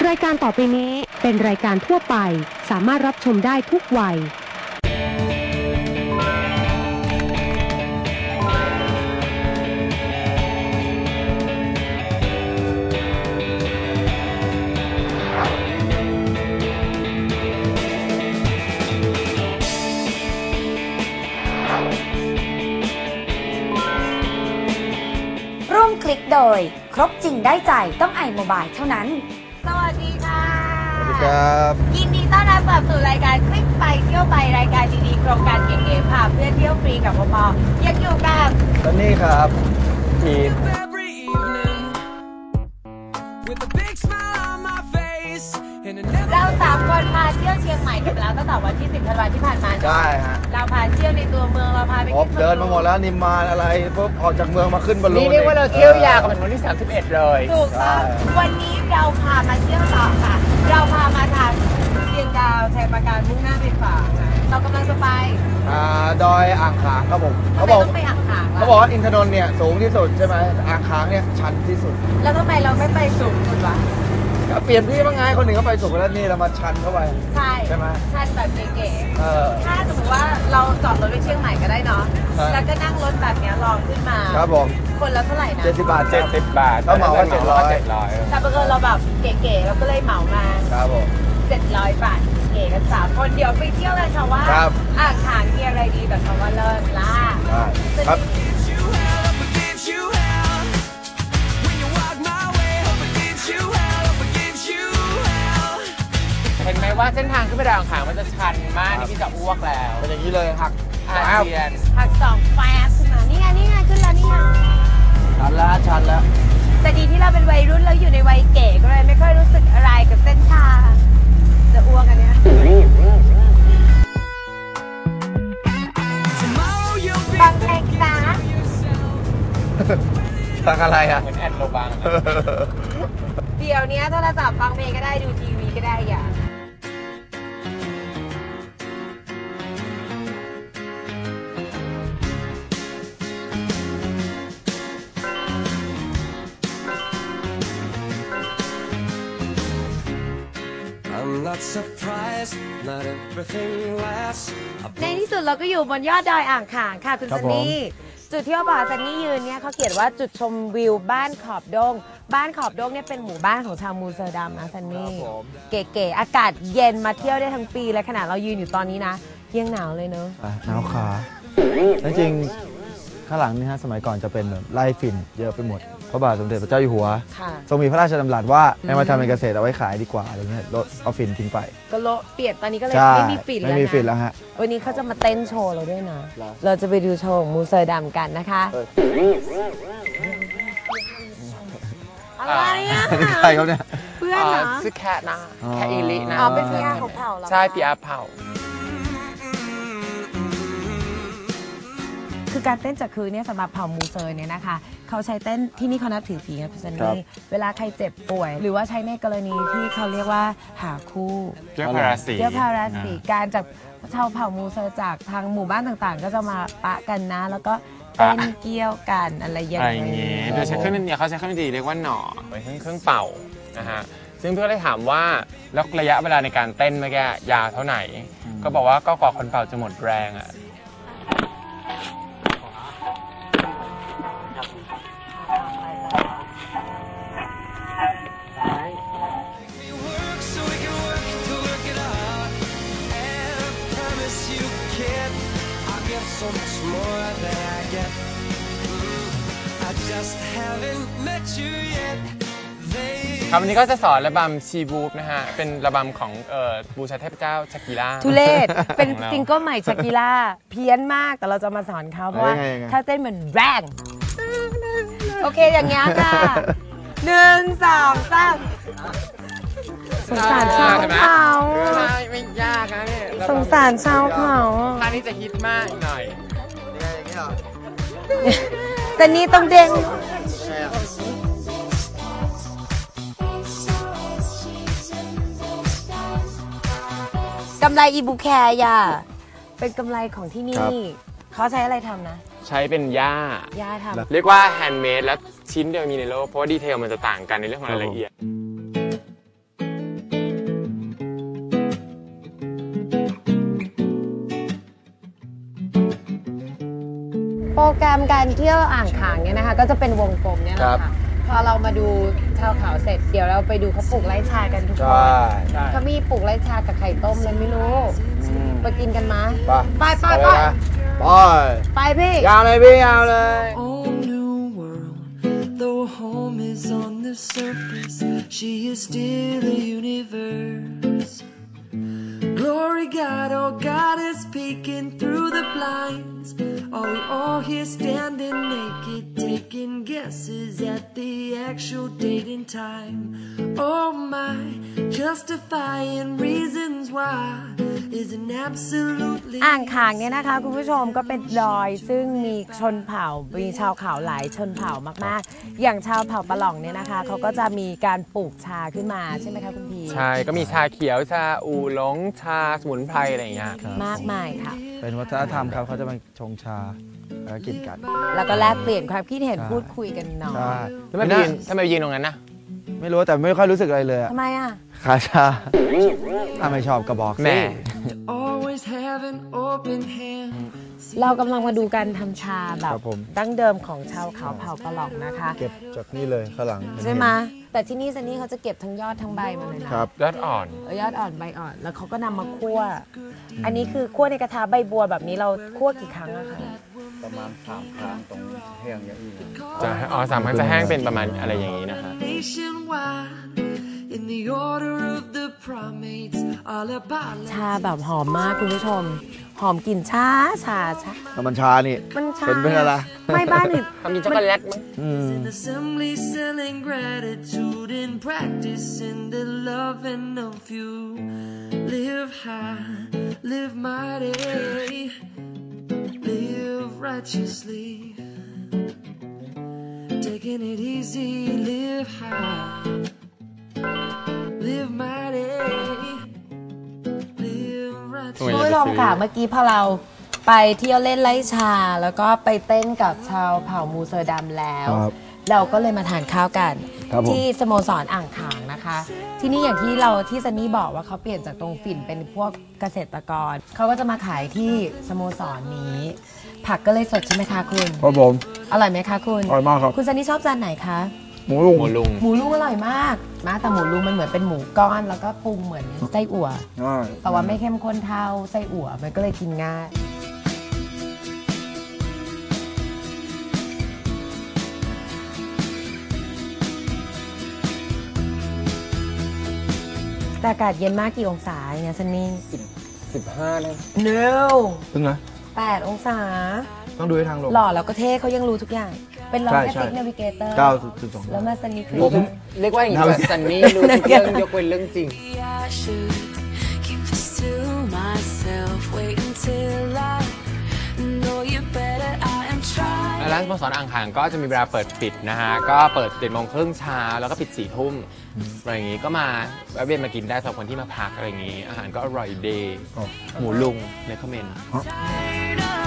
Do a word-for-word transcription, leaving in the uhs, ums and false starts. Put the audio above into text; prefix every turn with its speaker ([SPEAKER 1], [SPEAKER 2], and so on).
[SPEAKER 1] รายการต่อไปนี้เป็นรายการทั่วไปสามารถรับชมได้ทุกวัย
[SPEAKER 2] ร่วมคลิกโดยครบจริงได้ใจต้องไอโมบายเท่านั้นสวัสดีค่ะ
[SPEAKER 3] สวัสดีครับ
[SPEAKER 2] ยินดีต้อนรับกลับสู่รายการคลิกไปเที่ยวไปรายการดีๆโครงการเก๋ๆพาเพื่อนเที่ยวฟรีกับปปยังอยู่กับ
[SPEAKER 3] ซันนี่ครับทีม
[SPEAKER 2] เราสามคนพาเที่ยวเชียงใหม่กันแล้วตั้งแต่วันที่สิบธันวาคมที่ผ่านมา
[SPEAKER 3] ใช่ฮะ
[SPEAKER 2] เราพาเที่ยวในตัวเมืองเราพาไป
[SPEAKER 3] เดินมาหมดแล้วนิมมานอะไรปุ๊บออกจากเมืองมาขึ้นบอลลูน
[SPEAKER 4] นี่เรียกว่าเราเที่ยวยาวกันวันที่สามสิบเอ็ดเลย
[SPEAKER 2] ถูกต้องวันนี้เราพามาเที่ยวต่อค่ะเราพามาทางเชียงดาวชัยปราการมุ่งหน้าไปฝางเรากำลังจะไป
[SPEAKER 3] อ่าดอยอ่างขางครับผม
[SPEAKER 2] เขาบอกต้องไปอ่างขาง
[SPEAKER 3] เขาบอกว่าอินทนนท์เนี่ยสูงที่สุดใช่ไหมอ่างขางเนี่ยชันที่สุด
[SPEAKER 2] แล้วทำไมเราไม่ไปสูงสุดวะ
[SPEAKER 3] เปลี่ยนที่บ้างไงคนหนึ่งก็ไปสูงแล้วนี่เรามาชันเข้าไป
[SPEAKER 2] ใช่
[SPEAKER 3] ใช่ไหม
[SPEAKER 2] ชันแบบเก๋ๆถ้าสมมติว่าเราจอดรถไปเชียงใหม่ก็ได้เนาะแล้วก็นั่งรถแบบนี้ลองขึ้นมา
[SPEAKER 3] ครับผม
[SPEAKER 2] คนละเท่าไหร่นะ
[SPEAKER 3] เจ็ดสิบบาท
[SPEAKER 4] เจ็ดสิบบาท
[SPEAKER 3] ก็เหมาว่าเจ็ดร้อย
[SPEAKER 2] แต่บังเอิญเราแบบเก๋ๆเราก็เลยเหมามา
[SPEAKER 3] ครับผม
[SPEAKER 2] เจ็ดร้อยบาทเก๋กันสามคนเดี๋ยวไปเที่ยวกันชาวว่าอ่างขางมีอะไรดีแบบชาวว่าเลิศล่ะ
[SPEAKER 3] ครับ
[SPEAKER 4] เห็นไหมว่าเส้นทางขึ้นไปดอยอ่างขางมันจะชันมากนี่พี่จะอ้วกแล้ว
[SPEAKER 3] เป็นอย่างนี้เลยหัก
[SPEAKER 4] อาเซียน
[SPEAKER 2] หักสองแฟบขึ้นมานี่ไงนี่ไงขึ้นแล้วนี่ไง
[SPEAKER 3] ชันแล้วชันแล้ว
[SPEAKER 2] แต่ดีที่เราเป็นวัยรุ่นแล้วอยู่ในวัยเก๋ก็เลยไม่ค่อยรู้สึกอะไรกับเส้นทางจะอ้วกอันเนี้ยฟังเพลงนะ
[SPEAKER 3] ฟังอะไรอ่ะ
[SPEAKER 4] เหมือนแอดโลบัง
[SPEAKER 2] เดี๋ยวนี้โทรศัพท์ฟังเพลงก็ได้ดูทีวีก็ได้อย่าในที่สุดเราก็อยู่บนยอดดอยอ่างขางค่ะคุณซันนี่จุดที่เขาบอกซันนี่ยืนเนี่ยเขาเขียนว่าจุดชมวิวบ้านขอบดงบ้านขอบดงเนี่ยเป็นหมู่บ้านของชาวมูเซอร์ดัมนะซันนี่เก๋ๆอากาศเย็นมาเที่ยวได้ทั้งปีเลยขนาดเรายืนอยู่ตอนนี้นะยังหนาวเลยเนอะ
[SPEAKER 3] หนาวขาจริงข้างหลังนี่ฮะสมัยก่อนจะเป็นแบบไล่ฝิ่นเยอะไปหมดพระบาทสมเด็จพระเจ้าอยู่หัวทรงมีพระราชดำรัสว่าให้มาทำเป็นเกษตรเอาไว้ขายดีกว่าอะไรเงี้ยลดเอาฝิ่นทิ้งไป
[SPEAKER 2] ก็โลเปลี่ยนตอนนี้ก็เลยไม่มีฝิ่นแล้วนะ
[SPEAKER 3] ไม่มีฝิ่นแล้วฮะ
[SPEAKER 2] วันนี้เขาจะมาเต้นโชว์เราด้วยนะเราจะไปดูโชว์ของมูเซอร์ดัมกันนะคะอะไรอ่ะ
[SPEAKER 3] ใครเขาเนี่ย
[SPEAKER 2] เพื่อนนะ
[SPEAKER 4] ชื่อแคทนะแคทอีลินะ
[SPEAKER 2] อ๋อเป็นพี่อาของเผ่าเหรอ
[SPEAKER 4] ใช่พี่อาเผ่า
[SPEAKER 2] คือการเต้นจากคือเนี่ยสำหรับเผ่ามูเซอร์เนี่ยนะคะเขาใช้เต้นที่นี่เขานับถือผีครับพี่ซันนี่เวลาใครเจ็บป่วยหรือว่าใช้ในกรณีที่เขาเรียกว่าหาคู่
[SPEAKER 4] เกี่ยวพาราสี
[SPEAKER 2] เกี่ยวพาราสีการจากชาวเผ่ามูเซอร์จากทางหมู่บ้านต่างๆก็จะมาปะกันนะแล้วก็เต้นเกี่ยวกันอะไรอย่าง
[SPEAKER 4] เงี้ยโดยใช้เครื่องเนี่ยเขาใช้เครื่องดนตรีเรียกว่าหน่อเป็นเครื่องเครื่องเป่านะฮะซึ่งเพื่อนได้ถามว่าแล้วระยะเวลาในการเต้นเมื่อกี้ยาวเท่าไหร่ก็บอกว่าก็กว่าคนเป่าจะหมดแรงอ่ะครับวันนี้ก็จะสอนระบำชีบูฟนะฮะเป็นระบำของบูชาเทพเจ้าชากิล่า
[SPEAKER 2] ทุเรศเป็นซิงเกิลใหม่ชากิล่าเพี้ยนมากแต่เราจะมาสอนเขาเพราะว่าถ้าเต้นเหมือนแรงโอเคอย่างเงี้ยค่ะหนึ่งสองสามสงสารชาวเขา
[SPEAKER 4] ไม่ยากนะเนี่ย
[SPEAKER 2] สงสารชาวเขา
[SPEAKER 4] ท่านี้จะฮิตมากหน่อย
[SPEAKER 2] แต่นี่ต้องเด้งกำไรอีบูแคร์ย่าเป็นกำไรของที่นี่เขาใช้อะไรทำนะ
[SPEAKER 4] ใช้เป็นหญ้า
[SPEAKER 2] หญ้าทำ
[SPEAKER 4] เรียกว่าแฮนด์เมดและชิ้นเดียวมีในโลกเพราะว่าดีเทลมันจะต่างกันในเรื่องของรายละเอียด
[SPEAKER 2] แกรมการเที่ยวอ่างขางเนี่ยนะคะก็จะเป็นวงกลมเนี่ยแหละค่ะพอเรามาดูชาวเขาเสร็จเดี๋ยวเราไปดูเขาปลูกไร่ชากันทุกคนเขามีปลูกไร่ชากับไข่ต้มเลยไม่รู้ไปกินกันมาไปไปไป
[SPEAKER 3] ไป
[SPEAKER 2] ไปพี่
[SPEAKER 3] ยาวเลยพี่ยาวเลย
[SPEAKER 5] Whole new world, though home is on the surface, she is still a universe. Glory God, oh God is peeking through the blinds. Are we all here standing naked, taking guesses at the actual date and time? Oh my, justifying reasons why isn't absolutely
[SPEAKER 2] อ่างขางเนี่ยนะคะคุณผู้ชมก็เป็นดอยซึ่งมีชนเผ่ามีชาวเขาหลายชนเผ่ามากๆอย่างชาวเผ่าปะหล่องเนี่ยนะคะเขาก็จะมีการปลูกชาขึ้นมาใช่ไหมคะคุณพี
[SPEAKER 4] ใช่ก็มีชาเขียวชาอูหลงชาสมุนไพรอะไรอย่างเงี้ย
[SPEAKER 2] มากมายค่ะ
[SPEAKER 3] เป็นวัฒนธรรมครับเขาจะมาชงชาแล้วกินกัน
[SPEAKER 2] แล้วก็แลกเปลี่ยนความคิดเห็นพูดคุยกันหน่อย
[SPEAKER 3] ใช่
[SPEAKER 4] แล้วทำไมไปยืนทำไมไปยืนตรงนั้นนะ
[SPEAKER 3] ไม่รู้แต่ไม่ค่อยรู้สึกอะไรเลยอะ
[SPEAKER 2] ทำไมอ่ะ
[SPEAKER 3] ขาชาถ้าไม่ชอบก็บอกสิ
[SPEAKER 4] แหม่
[SPEAKER 5] always have an open hand.
[SPEAKER 2] เรากำลังมาดูการทำชาแบบ
[SPEAKER 3] ครับผม
[SPEAKER 2] ดั้งเดิมของชาวเขาเผ่าปะหล่องนะคะ
[SPEAKER 3] เก็บจากนี่เลยข้างหลัง
[SPEAKER 2] ใช่ไหมแต่ที่นี่ซันนี่เขาจะเก็บทั้งยอดทั้งใบมาเลยนะครับ
[SPEAKER 4] ยอดอ่อน
[SPEAKER 2] เอายอดอ่อนใบอ่อนแล้วเขาก็นำมาคั่ว อันนี้คือคั่วในกระทะใบบัวแบบนี้เราคั่วกี่ครั้งอะคะ
[SPEAKER 3] ประมาณสามครั้งตรงแห้งอย่างอื่น
[SPEAKER 4] จะอ๋อสามครั้งจะแห้งเป็นประมาณอะไรอย่างนี้นะคะ
[SPEAKER 5] Nationwide, in the order of the primates, all about
[SPEAKER 2] ชาแบบหอมมากคุณผู้ชม หอมกลิ่นชาชาชา
[SPEAKER 3] แล้วมันชานี่
[SPEAKER 2] มันชา
[SPEAKER 3] เป็นเป็นอะไร
[SPEAKER 2] ไม่บ้านอื่น
[SPEAKER 4] ทำมีช็อกโกแลตมั้ง
[SPEAKER 3] อืม
[SPEAKER 5] in assembly, selling gratitude and practicing the loving of you. Live high, live mighty, live righteously. Taking it easy, live high, live mighty, live
[SPEAKER 4] ทำไม
[SPEAKER 5] righteously.
[SPEAKER 2] คุณผู้ชมค่ะเมื่อกี้พอเราไปเที่ยวเล่นไล่ชา แล้วก็ไปเต้นกับชาวเผ่ามูเซอร์ดัมแล้ว
[SPEAKER 3] ครับ
[SPEAKER 2] เราก็เลยมาทานข้าวกัน
[SPEAKER 3] ครับผม
[SPEAKER 2] ที่สโมสรอ่างขางนะคะ ที่นี่อย่างที่เราที่ซันนี่บอกว่าเขาเปลี่ยนจากตรงฝิ่นเป็นพวกเกษตรกร เขาก็จะมาขายที่สโมสรนี้ ผักก็เลยสดใช่ไหมคะคุณ
[SPEAKER 3] ครับผม
[SPEAKER 2] อร่อยไหมคะคุณ
[SPEAKER 3] อร่อยมากครับ
[SPEAKER 2] คุณซันนี่ชอบจานไหนคะ
[SPEAKER 3] หมูลุง
[SPEAKER 4] หมูลุง
[SPEAKER 2] หมูลุงอร่อยมากนะแต่หมูลุงมันเหมือนเป็นหมูก้อนแล้วก็ปรุงเหมือนไส้อั่ว
[SPEAKER 3] อ่า
[SPEAKER 2] แต่ว่าไม่เข้มข้นเท่าไส้อั่วมันก็เลยกินง่ายแต่อากาศเย็นมากกี่องศาเนี่ยซันนี่
[SPEAKER 4] สิบห้าเลย
[SPEAKER 2] no
[SPEAKER 3] เพิ่งนะ
[SPEAKER 2] แปดองศา
[SPEAKER 3] ต้องดูให้ทางลง
[SPEAKER 2] หล่อแล้วก็เท่เขายังรู้ทุกอย่าง เป็นรอง
[SPEAKER 3] ใช่
[SPEAKER 2] แค่
[SPEAKER 3] ใช่
[SPEAKER 2] ติ๊กนาวิเกเตอร์
[SPEAKER 3] เก้าจุดสอง
[SPEAKER 2] แล้วมาซันนี่คือ
[SPEAKER 4] ผมเรียกว่าอย่างนี้ว่าซันนี่รู้ทุกเรื่องยกเว้นเรื่องจริง
[SPEAKER 5] I should keep this to myself. Wait until I know you better. I am trying.
[SPEAKER 4] ร้านสโมสรอ่างขางก็จะมีเวลาเปิดปิดนะฮะ ก็เปิดเจ็ดโมงครึ่งเช้าแล้วก็ปิดสี่ทุ่มอะไรอย่างงี้ก็มาแวะเวียนมากินได้สำหรับคนที่มาพักอะไรอย่างงี้ อาหารก็อร่อยดี หมูลุงในคอมเมนต์
[SPEAKER 5] Tired